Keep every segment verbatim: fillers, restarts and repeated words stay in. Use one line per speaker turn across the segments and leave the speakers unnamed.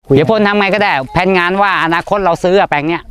เดี๋ยวพ่นทำไงก็ได้แผนงานว่าอนาคตเราซื้อแปลงเนี้ย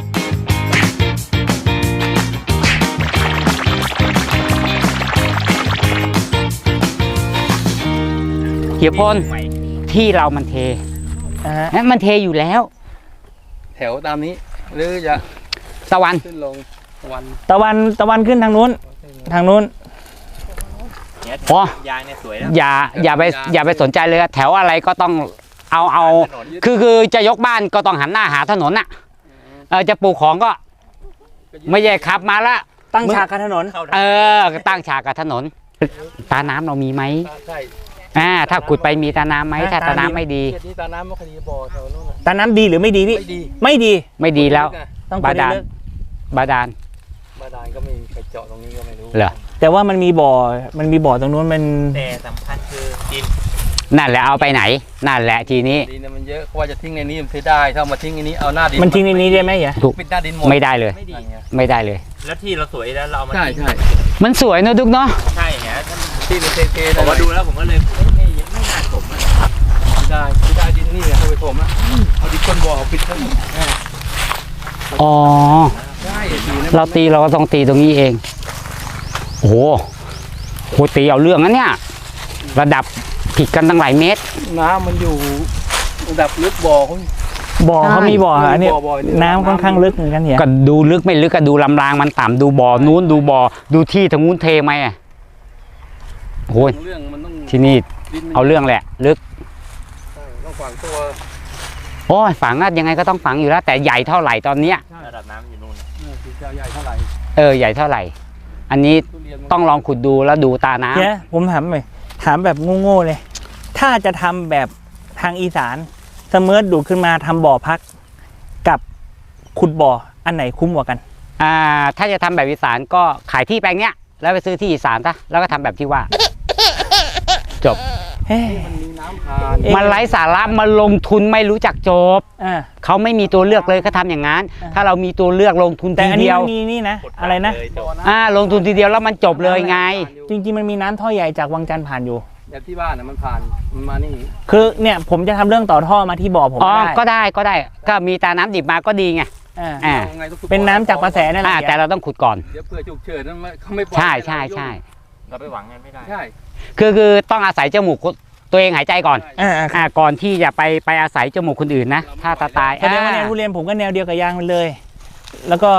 เดี๋ยวพ่นที่เรามันเทนั่นมันเทอยู่แล้ว
แถวตามนี้หรือจะ
ตะวัน
ขึ้นลงตะวัน
ตะวันตะวันขึ้นทางนู้นทางนู้น
อ๋อยางเนี่ยสวยนะอย่าอย่าไปอย่าไปสนใจเลยแถวอะไรก็ต้องเอาเอาคือคือจะยกบ้านก็ต้องหันหน้าหาถนนน่ะเออจะปลูกของก็ไม่ใช่ขับมาละ
ตั้งฉากกับถนน
เออตั้งฉากกับถนนตาน้ำเรามีไหม
ใช่
อ่าถ้าขุดไปมีตาน้ำไหมถ้าตาน้ำไม่ดี
ตาน้ำไม่ดีบ่อแถวนู้น
ตาน้ำดีหรือไม่ดีพี่
ไม่ดี
ไม่ดีแล้วบาดาลบาดาล
บาดาลก็ไม่ไปเจาะตรงนี้ก็ไม่รู้
เหรอ
แต่ว่ามันมีบ่อมันมีบ่อตรงนู้นมัน
แต่สำคัญคือดิน
นั่นแหละเอาไปไหนนั่นแหละทีนี้
ดินมันเยอะเพราะว่าจะทิ้งในนี้มันเสียได้ถ้ามาทิ้งในนี้เอาหน้าดิน
มันทิ้งในนี้ได้ไหมเหรอ
ถูก
ปิดหน้าดินหมด
ไม่ได้เลยไม่ได้เลย
แล้วที่เราสวยแล้วเรามา
ใช่ใช่
มันสวยเนอะดุ๊กเนาะ
ใช่เนี่ย
ที่เป็นเทๆ
ผมมาดูแล้วผมก็เลยไม่ไม่น่าถม
ไม่ได้ไม่ได้ดินนี่เนี่ยเอาไปถมอ่ะเอาดินก้นบ่อปิดทั้งหมด
อ๋อเราตีเราก็ต้องตีตรงนี้เองโอ้โหโหตีเอาเรื่องนะเนี่ยระดับผิดกันตั้งหลายเมตร
น้ำมันอยู่ระดับลึกบ่อเขา
บ่อเขามีบ่ออันนี้น้ำค่อนข้างลึกเหมือนกันเนี่ย
ก็ดูลึกไม่ลึกก็ดูลำรางมันต่ำดูบ่อนู้นดูบ่อดูที่ทางนู้นเทไหมอ่ะโอ้ยที่นี่เอาเรื่องแหละลึก
ต้องฝังตัว
โอ้ยฝังอะยังไงก็ต้องฝังอยู่แล้วแต่ใหญ่เท่าไหร่ตอนเนี้ย
ระดับน้ำอยู่นู่น
ใหญ่เท่าไหร่
เออใหญ่เท่าไหร่อันนี้ต้องลองขุดดูแล้วดูตาน้ำ
เนี่ยผมถามหน่อยถามแบบโง่ๆเลยถ้าจะทำแบบทางอีสานเสมอดูขึ้นมาทำบ่อพักกับขุดบ่ออันไหนคุ้มกว่ากัน
อ่าถ้าจะทำแบบอีสานก็ขายที่แปลงเนี้ยแล้วไปซื้อที่อีสานซะแล้วก็ทำแบบที่ว่าจบ
มันมีน้ำผ่าน
มันไร้สาระมันลงทุนไม่รู้จักจบเขาไม่มีตัวเลือกเลยเขาทำอย่างนั้นถ้าเรามีตัวเลือกลงทุนทีเดียว
แต่อันนี้มีนี่นะอะไรนะ
อ่าลงทุนทีเดียวแล้วมันจบเลยไง
จริงๆมันมีน้ำท่อใหญ่จากวังจันทร์ผ่านอยู่
แบบที่บ้านนะมันผ่านมันมานี่
คือเนี่ยผมจะทำเรื่องต่อท่อมาที่บ่อผม
อ๋อก็ได้ก็ได้ก็มีตาน้ำดิบมาก็ดีไงอ่า
เป็นน้ำจากกระแสนั่นแหละ
แต่เราต้องขุดก่อน
เดี๋ยวเพื่อฉุกเฉินเขาไม่ปล่อย
ใช่ใช่ใช่
เราไปหวังกันไม่ได้
ใช่
คือคือต้องอาศัยจมูกตัวเองหายใจก่อนอ่าก่อนที่จะไปไปอาศัยจมูกคนอื่นนะถ้าตาตาย
แสดงว่าแนวทุเรียนผมก็แนวเดียวกับยางมันเลยแล้วก็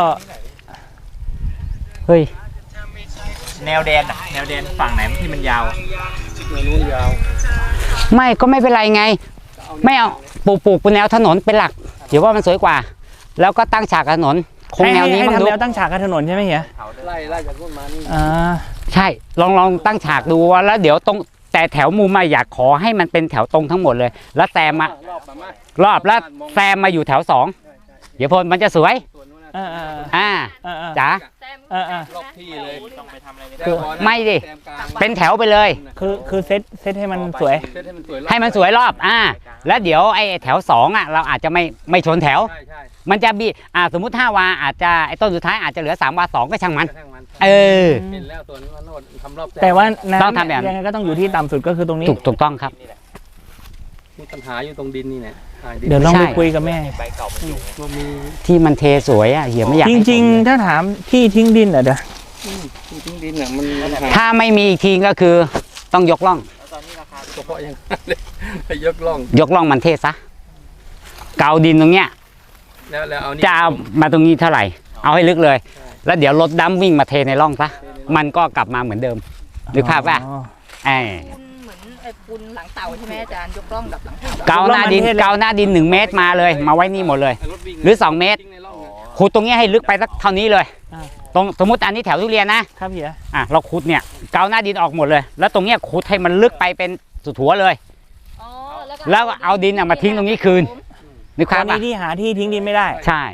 เฮ้ย
แนวแดนแนวแดนฝั่งไหนที่มันยาว
แนวนู้นยาว
ไม่ก็ไม่เป็นไรไงไม่เอาปลูกปลูกบนแนวถนนเป็นหลักเดี๋ยวว่ามันสวยกว่าแล้วก็ตั้งฉากถนนคงแนวนี้
มันดูตั้งฉากถนนใช่ไหมเฮีย
ไล่ไล่จากนู้นมานี่
อ่า
ใช่ลองลองตั้งฉากดูแล้วเดี๋ยวตรงแต่แถวมุมมาอยากขอให้มันเป็นแถวตรงทั้งหมดเลยแล้วแซมมารอบแล้วแซมมาอยู่แถวสองเดี๋ยวพลมันจะสวยอ่าจ๋าร
อบที่เลย
ต้องไปทำอะไร
ไม่ดิเป็นแถวไปเลย
คือคือเซตเซตให้มันสวย
ให้มันสวยรอบอ่าแล้วเดี๋ยวไอ้แถวสองอ่ะเราอาจจะไม่ไม่ชนแถวมันจะบีอ่าสมมุติห้าวาอาจจะไอ้ต้นสุดท้ายอาจจะเหลือสามวาสองก็ช่างมันเออ
แต่ว่าต้องทำแบบยังไงก็ต้องอยู่ที่ต่ำสุดก็คือตรงนี้
ถูกถูกต้องครับ
มีปัญหาอยู่ตรงดินนี่แหละ
เดี๋ยวลองไปคุยกับแม่
ที่มันเทสวยอ่ะเหี้ยไม่อยาก
จริงๆถ้าถามที่ทิ้งดินอ่ะเดี๋ยว
ทิ้งดินอ่ะมัน
ถ้าไม่มีอีกทีก็คือต้องยกล่อง
ตอนนี้ราคาเฉพาะยังยกล่อง
ยกล่องมันเทซะเกาดินตรงเนี้ยจะเอามาตรงนี้เท่าไหร่เอาให้ลึกเลยแล้วเดี๋ยวรถดัมวิ่งมาเทในร่องซะมันก็กลับมาเหมือนเดิมนึกภาพป่ะไอ้
เหมือนไอ้ปูนหลังเต่าใช่ไหมอาจารย์ยกร่องแบบหลัง
เกาหน้าดินเกาหน้าดินหนึ่งเมตรมาเลยมาไว้นี่หมดเลยหรือสองเมตรขุดตรงนี้ให้ลึกไปสักเท่านี้เลยตรงสมมติอันนี้แถวทุเรียนนะครับ
เฮีย
อ่ะเราขุดเนี่ยเกาหน้าดินออกหมดเลยแล้วตรงเนี้ยขุดให้มันลึกไปเป็นสุดหัวเลยแล้วก็เอาดินมาทิ้งตรงนี้คืนนึกภาพป่ะ
ที่หาที่ทิ้งดินไม่ได้
ใช่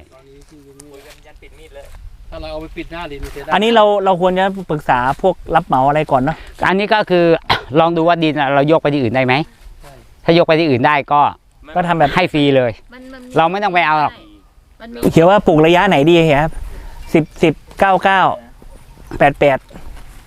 ถ้าเราเอาไปปิดหน้าดิน
อันนี้เราเราควรจะปรึกษาพวกรับเหมาอะไรก่อนเนาะ
อันนี้ก็คือลองดูว่าดินเรายกไปที่อื่นได้ไหมถ้ายกไปที่อื่นได้ก็
ก็ทำแบบ
ให้ฟรีเลยเราไม่ต้องไปเอาหรอก
เขียนว่าปลูกระยะไหนดีครับสิบสิบเก้าเก้าแปดแปด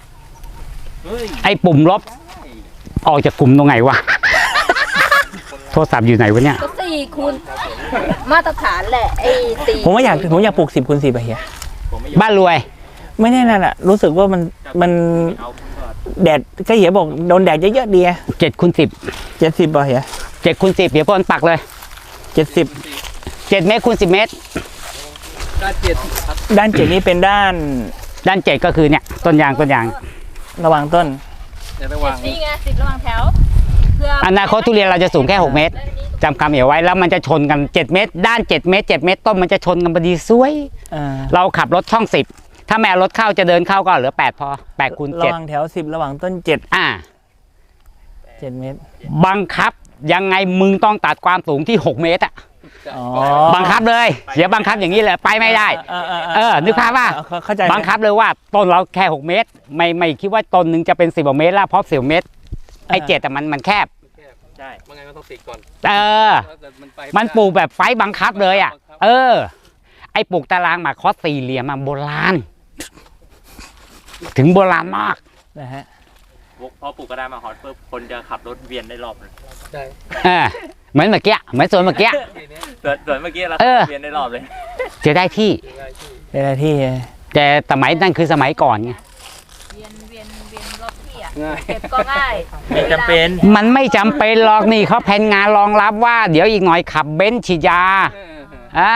ไอ้ปุ่มลบออกจากกลุ่มตรงไหนวะโทรศัพท์อยู่ไหนวะเนี่ย
ก็สี่คูณมาตรฐานแหละไอ้สี่
ผมว่าอยากผมอยากปลูกสิบคูณสิบอะเฮีย
บ้านรวย
ไม่แน่นั่นแหละรู้สึกว่ามันมันแดดก็เฮียบอกโดนแดดเยอะๆดีอะ
เจ็ดคูณสิบ
เจ็ดสิบอะเฮีย
เจ็ดคูณสิบเดี๋ยวพ่นปักเลย
เจ็ดสิบ
เจ็ดเมตรคูณสิบเมตร
ด้านเจ็ดครับ
ด้านเจ็ดนี้เป็นด้าน
ด้านเจ็ดก็คือเนี่ยต้นยางต้นยาง
ระหว่างต้น
เดี๋ยวระหว่าง
นี่ไงสิบระหว่างแถวเพื่อ
อนาคตทุเรียนเราจะสูงแค่หกเมตรจำคำเอาไว้แล้วมันจะชนกันเจ็ดเมตร ด้านเจ็ดเมตรเจ็ดเมตรต้นมันจะชนกันพอดีสวย
อ่า
เราขับรถช่องสิบถ้าแม่เอารถเข้าจะเดินเข้าก็เหลือแปดพอแปดคูณ
ระ
เจ็ด
หว่างแถวสิบระหว่างต้นเจ็ด
อ่า
เจ็ดเมตร
บังคับยังไงมึงต้องตัดความสูงที่หกเมตรอะ
อ๋อ
บังคับเลยเดี๋ยวบังคับอย่างนี้เลยไปไม่ได้
เออเออ
เออนึกภาพว่า
เข้เข้าใจ
บังคับเลยว่าต้นเราแค่หกเมตร ไม่ไม่คิดว่าต้นหนึ่งจะเป็นสิบเมตรแล้วเพราะสิบเมตรไอ้เจ็ดแต่มันมันแคบ
ใช่มันไงก็ต้องติดก่อน
เออ
มันไป
มันปลูกแบบไฟบังคับเลยอ่ะ เออ ไอ้ปลูกตารางหมากคอสสี่เหลี่ยมมาโบราณ ถึงโบราณมาก
นะฮะ
พอปลูกกระดาษมาฮอตปุ๊บคนจะขับรถเวียนได้รอบเลย
ใช่
เออ เหมือนเมื่อกี้เหมือนสวนเมื่อกี้
ส่วนส่วนเมื่อกี้เรา
เออ
เวียนได้รอบเลย
จะได้ที่
เป็นอะไรที่
แต่สมัยนั่นคือสมัยก่อนไง
เวียนเวียนเวียนรอบที่อ่ะ
ง่าย
เก็บก็ง่าย
ไม่จำเป็น
มันไม่จำเป็นหรอกนี่เขาแผนงานรองรับว่า เดี๋ยวอีกหน่อยขับเบนซ์ฉีดยา อ่า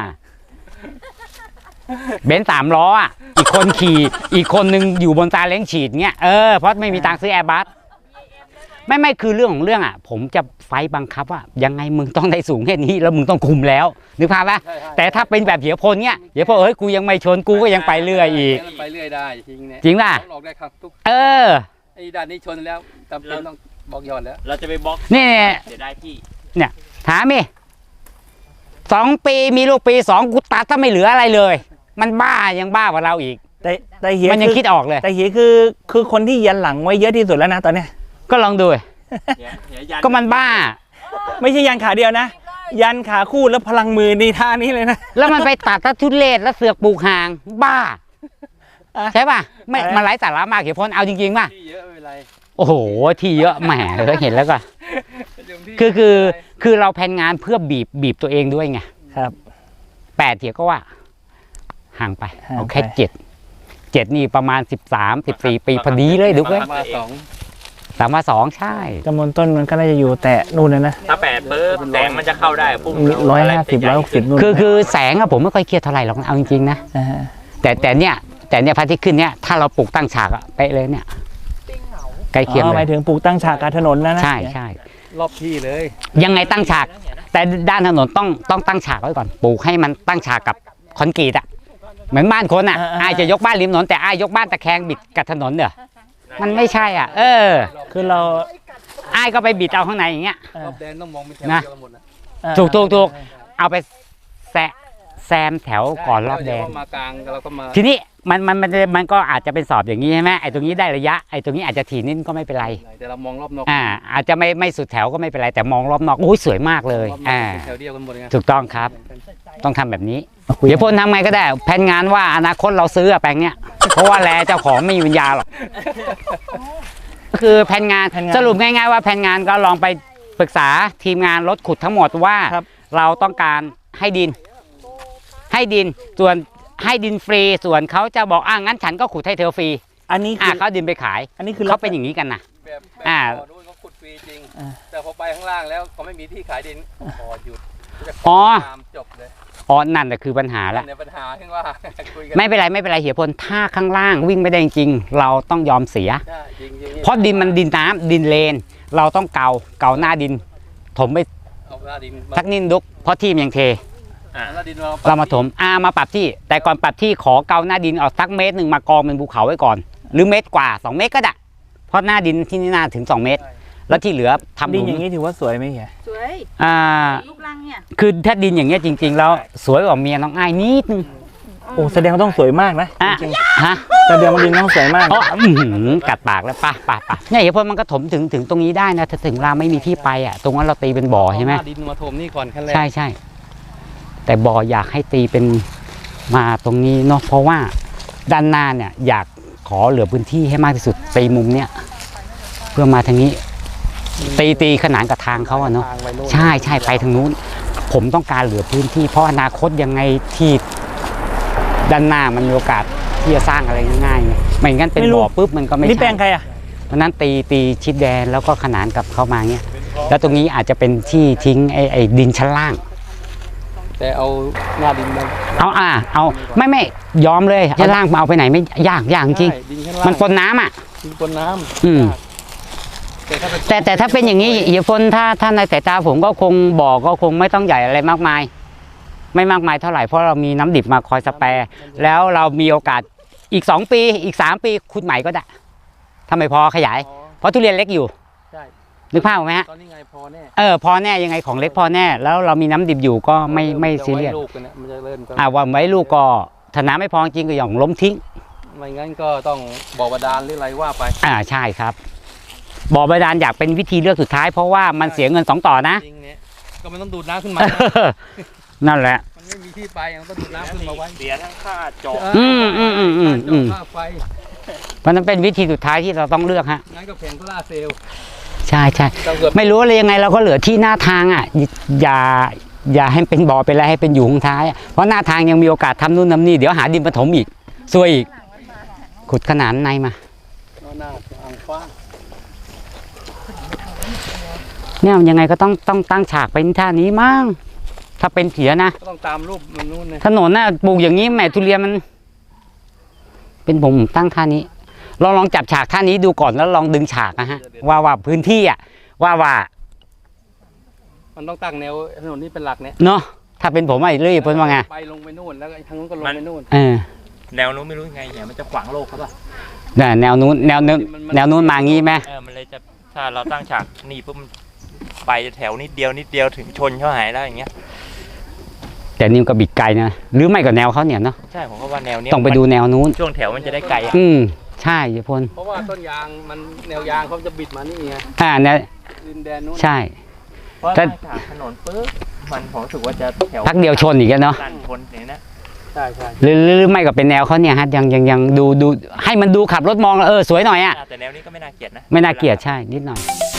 เบนซ์สามล้ออ่ะ อีกคนขี่ อีกคนนึงอยู่บนซาเล้งฉีดเงี้ย เออ เพราะไม่มีตังค์ซื้อแอร์บัส ไม่ไม่คือเรื่องของเรื่องอ่ะ ผมจะไฟบังคับว่า ยังไงมึงต้องได้สูงแค่นี้แล้วมึงต้องคุมแล้ว นึกภาพปะแต่ถ้าเป็นแบบเหี่ยวพลเนี้ยเหี่ยวพลเอ้ยกูยังไม่ชนกูก็ยังไปเรื่อยอีก
ไปเรื่อยได้จริงเนี่ย
จริงป่ะ
ออกได้ครับทุก
เออ
ไอ้ด้านนี้ชนแล้วจำเป็นต้องบอกย้อนแล้ว
เราจะไปบล็อก
นี่
เดี๋ยวได้ที่
ถามมิสองปีมีลูกปีสองกูตัดถ้าไม่เหลืออะไรเลย มันบ้ายังบ้ากว่าเราอีก
แต่แต่เฮีย
มันยัง
คือ
คิดออกเลย
แต่เฮียคือคือคนที่ยันหลังไว้เยอะที่สุดแล้วนะตอนเนี้ย
ก็ลองดู
เดี๋ยวเดี๋ยวยัน
ก็มันบ้า
ไม่ใช่ยันขาเดียวนะ ยันขาคู่แล้วพลังมือในท่านี้เลยนะ
แล้วมันไปตัดถ้าทุเรศแล้วเสือกปลูกห่าง บ้า
อ่ะ
ใช่ป่ะไม่
อะไร
มันไร้สาระมากเหี่ยวพลเอาจริงๆป่ะ
ที่เยอะไม่เป็นไร
โอ้โหที่เยอะแหมเออเห็นแล้วก็
เดี๋ยวที่
คือคือคือเราแผนงานเพื่อบีบบีบตัวเองด้วยไง
ครับ
แปดเหี่ยวก็ว่า ห่างไป
ห่าง
เอาแค่
ไป
เจ็ดเจ็ดนี่ประมาณสิบสามสิบสี่ปีพอดีเลยดูเว้ย
มาสอง
สามมาสองใช่
จำนวนต้นมันก็น่าจะอยู่แต่นู่นเลยนะ
ถ้าแปดปุ๊บแสงมันจะเข้าได้ปุ๊บ
ร้อยห้าสิบร้อยหกสิบนู่น
คือคือแสงอะผมไม่ค่อยเครียดเท่าไหร่หรอกนะเอาจริงๆนะ
อ่า
แต่แต่เนี่ยแต่เนี่ยพระอาทิตย์ขึ้นเนี่ยถ้าเราปลูกตั้งฉากอะเป๊ะเลยเนี่ยใกล้เคียง
อ๋อห
เล
มาย
ย
ถึงปลูกตั้งฉากกลารถนนนะนะ
ใช่ใช่
รอบที่เลย
ยังไงตั้งฉาก แต่ด้านถนนต้องต้องตั้งฉากไว้ก่อนปลูกให้มันตั้งฉากกับคอนกรีตอะเหมือนบ้านคนอะอายจะยกบ้านริมถนนแต่อายยกบ้านตะแคงบิดกับถนนเด้อมันไม่ใช่อ่ะ เออ
คือเรา
อายก็ไปบิดเอาข้างในอย่างเงี้ย
รอบแดนต้องมองเป็นแถว
นะ
เดียวกันหมดนะ
อ่า
ถูกถูกถูกเอาไปแซะแซมแถวก่อนรอบแดน
เดี๋ยวมากลางเราก็มา
ทีนี้มันมันมันมันก็อาจจะเป็นสอบอย่างนี้ใช่ไหมไอ้ตรงนี้ได้ระยะไอ้ตรงนี้อาจจะถี่นิดก็ไม่เป็นไร
แต่เรามองรอบนอก
อ่า อาจจะไม่ไม่สุดแถวก็ไม่เป็นไรแต่มองรอบนอกโอ้ยสวยมากเลย
รอบนอก
อ่า
เป็นแถวเดียวกันหมดไง
ถูกต้องครับ ต้องทำแบบนี้
คุย
เดี๋ยวพ่นทำไงก็ได้แผนงานว่าอนาคตเราซื้ออะแปลงเนี้ย เพราะว่าแลเจ้าของไม่มีวิญญาณหรอกคือแผนงานสรุปง่ายๆว่าแผนงานก็ลองไปปรึกษาทีมงานรถขุดทั้งหมดว่า
ครับ
เราต้องการให้ดิน ให้ดินส่วนให้ดินฟรีส่วนเขาจะบอกอ่ะงั้นฉันก็ขุดให้เธอฟรี
อันนี้
อ่ะ
คือ
เขาดินไปขาย
อันนี้คือ
เขาเป็นอย่างนี้กันนะ
แบบแบบ
อ่า
บ่อนู้นเขาขุดฟรีจริง
อ่า
แต่พอไปข้างล่างแล้วเขาไม่มีที่ขายดินพอหยุดจะ
อ๋อ
ตามจบเลย
อ๋อนั่นแหละคือปัญหาละ
เนี่ยปัญหาขึ้นว่า คุยกัน
ไม่เป็นไรไม่เป็นไรเหียพลถ้าข้างล่างวิ่งไม่ได้จริงๆเราต้องยอมเสีย
ใช่จริงๆ
เพราะดินมันดินน้ำดินเลน เราต้องเกาเกาหน้าดิน ถมไป
เอาหน้าดินมา
สักนิดดุกเพราะที่มันยังเท
เอาหน้าดินมา
เรามาถมอ่ามาปรับที่ แต่ก่อนปรับที่ขอเกาหน้าดินออกสักเมตรหนึ่งมากองเป็นภูเขาไว้ก่อน หรือเมตรกว่าสองเมตรก็ได้เพราะหน้าดินที่นี่น่าถึงสองเมตร แล้วที่เหลือทำห
ดิน
ลุม
อย่างนี้ถือว่าสวยไหมเฮีย
สวย
อ่า
ลูกรังเนี่ย
คือถ้าดินอย่างเงี้ยจริง ๆ แล้วสวยกว่าเมียน้องอ้ายนิดนึง
โอ้แสดงว่าต้องสวยมากนะ
อ่ะ
จริง
ฮะ
ๆแสดงว่าดินต้องสวยมาก
เพราะอื้อหือกัดปากแล้วป่ะป่ะป่ะเนี่ยเหียพลมันก็ถมถึงถึงตรงนี้ได้นะถ้าถึงเราไม่มีที่ไปอ่ะตรงนั้นเราตีเป็นบ่อใช่ไหม
เอาน้าดินมาถมนี่ก่อนขั้นแรก
ใช่ใช่แต่บ่ออยากให้ตีเป็นมาตรงนี้เนาะเพราะว่าด้านหน้าเนี่ยอยากขอเหลือพื้นที่ให้มากที่สุดตีมุมเนี้ยเพื่อมาทางนี้ตีตีขนานกับทางเขาอะเนาะ
ทงไปโน่น
ใช่ใช่ไปทางนู้น ผมต้องการเหลือพื้นที่เพราะอนาคตยังไงที่ด้านหน้ามันมีโอกาสที่จะสร้างอะไรง่ายๆไงไม่งั้นเป็น
ไม่รู้
บ่อปุ๊บมันก็ไม่
นี่แปล
ใช่
งใครอ่ะ
เพราะนั้นตีตีชิดแดนแล้วก็ขนานกับเข้ามาเงี้ยแล้วตรงนี้อาจจะเป็นที่ทิ้งไอ้ไอ้ดินชั้นล่าง
แต่เอาหน้าดินมา
เอาอ่าเอาไม่ไม่ยอมเลยชั้นล่างมาเอาไปไหนไม่ยากยากจริง
ใช่ดินข้างล่าง
มันปนน้ำอ่ะ
ดินปนน้ำ
อืม
แต่ถ้าเป็น
แต่แต่ถ้าเป็นอย่างนี้เอียฟนถ้าถ้าในสายตาผมก็คงบ่อก็คงไม่ต้องใหญ่อะไรมากมาย ไม่มากมายเท่าไหร่เพราะเรามีน้ำดิบมาคอยสแปร์แล้วเรามีโอกาสอีกสองปีอีกสามปีขุดใหม่ก็ได้ถ้าไม่พอขยาย
อ๋อ
เพราะทุเรียนเล็กอยู่
ใช่
นึกภาพออกไหมฮะ
ตอนนี้ไงพอแน่
เออพอแน่ยังไงของเล็กพอแน่ แล้วเรามีน้ำดิบอยู่ก็ไม่ไม่ซีเรียส
จะไว้ลูกกันนะมันจะเริ่มก็
อ่าว่าไว้ลูกก็ถ้าน้ำไม่พอจริงก็อย่างล้มทิ้ง
ไม่งั้นก็ต้องบ่อบาดาลหรืออะไรว่าไป
อ่าใช่ครับบ่อบาดาลอยากเป็นวิธีเลือกสุดท้ายเพราะว่ามันเสียเงินสองต่อนะ
จริงเนี่ยก็มันต้องดูดน้ำขึ้นมา
นั่นแหละ
มันไม่มีที่ไปมันต้องดูดน้ำขึ้นมาไว้
เสียทั้งค่าเจาะ
อืมอืมอืมอืมอืม
ค่าไฟ
เพราะนั้นเป็นวิธีสุดท้ายที่เราต้องเลือกฮะ
งั้นก็แผงโซล่าร์เซลล์
ใช่ใช่
ต้องเกิด
ไม่รู้อะไรยังไงเราก็เหลือที่หน้าทางอ่ะอย่าอย่าให้เป็นบ่อเป็นอะไรให้เป็นอยู่ข้างท้ายอะเพราะหน้าทางยังมีโอกาสทำนู่นทำนี่เดี๋ยวหาดินผสมอีกซวยอีกขุดขนานในมา
หน้าอ่างกว้าง
เนี่ยยังไงก็ต้องต้องตั้งฉากเป็นท่านี้มั้งถ้าเป็นเผียนะ
ก็ต้องตามรูปมันนู่นเนี่ย
ถนนน่ะปลูกอย่างนี้แหม่ทุเรียนมัน เป็นผมตั้งท่านี้ลองลองจับฉากท่านี้ดูก่อนแล้วลองดึงฉากนะฮะว่าว่าพื้นที่อ่ะว่าว่า
มันต้องตั้งแนวถนนนี้เป็นหลักเนี่ย
เนาะถ้าเป็นผมไอ้เรื่อยเพิ่นว่าไง
ไปลงไปนู่นแล้วก็ทางนู้นก็ลงไปนู่น
เออ
แนวนู้นไม่รู้ยังไงเนี่ยมันจะขวางโลกเขาป่ะ
เนี่ยแนวนู้นแนวนู้นแนวนู้นมางี้ไหม
เออมันเลยจะถ้าเราตั้งฉากนี่ปุ๊บมันไปแถวนิดเดียวนิดเดียวถึงชนเขาหายแล้วอย่างเงี้ย
แต่นี่ก็บิดไกลนะหรือไม่ก็แนวเขาเนี่ยเนาะ
ใช่ผมก็ว่าแนวเนี้ย
ต้องไปดูแนวนู้น
ช่วงแถวมันจะได้ไกลอ่ะ
อืมใช่ยายพล
เพราะว่าต้นยางมันแนวยางเขาจะบิดมานี่ไง
อ่าเนี่ย
ดินแดนนู้น
ใช่
เพราะ
แต่
ตั้งฉากถนนปุ๊บมันผมรู้สึกว่าจะแถว
พักเดียวชนอีกแล้วเนาะ
สั้นชนอย่างนี้นะ
ใช่ใช่
หรือหรือหรือไม่ก็เป็นแนวเขาเนี่ยฮะยังยังยังดูดูให้มันดูขับรถมองแล้วเออสวยหน่อยอ่ะ
แต่แนวนี้ก็ไม่น่าเกลียดนะ
ไม่น่าเกลียดใช่นิดหน่อย